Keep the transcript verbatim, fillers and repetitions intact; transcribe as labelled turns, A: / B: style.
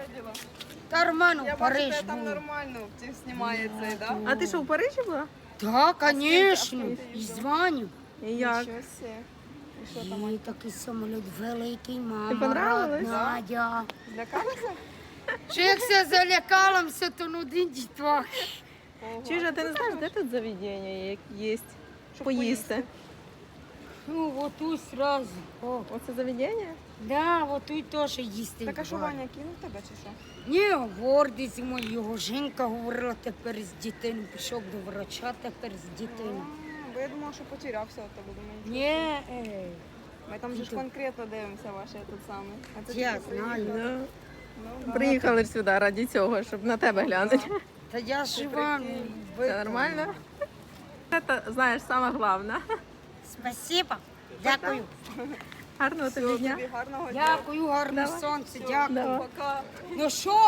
A: діла?
B: Та Роману в
A: Я бачу,
B: Париж
A: тебе там
B: був.
A: нормально ті знімає цей, да?
C: А ти що, в Парижі була?
B: Так,
A: А з ким
B: звісно.
A: ти
B: І
A: їздила?
B: дзвоню.
C: І як?
A: Нічого себе. І що там?
B: І такий самоліт великий, мама,
C: понравилось?
B: родна, дя.
A: Злякалася?
B: Що як все залякала, все то ну один дітвах.
A: Ого.
C: Чуєш, а ти не знаєш, де тут заведення є, є
A: Щоб
C: поїсти?
B: Ну, вот тут сразу. О,
C: Оце заведення?
B: да, вот тут теж їсти.
A: Так а що
B: буває.
A: Ваня кинув тебе чи що?
B: Ні, гордий зі мною. Його жінка говорила тепер з дитиною. Пішов до врача тепер з дитиною.
A: А, Бо я думала, що потерявся від тебе. Думаю, нічого.
B: Ні, ей.
A: Ми там же ж
B: Ти-
A: конкретно дивимося ваше тут саме. А це
B: Я
A: тільки
B: знаю.
A: приїхав.
C: Ну,
A: Ну, да.
C: приїхали ж сюди раді цього, щоб на тебе глянути.
B: Та я жива.
A: прикинь.
C: Це нормально? Це, знаєш, саме головне.
B: Спасибо. Дякую.
C: Гарного тобі
A: Всього
C: дня.
A: тобі гарного дня.
B: Дякую, гарне сонце, дякую.
C: Давай.
A: Пока.
B: Ну що?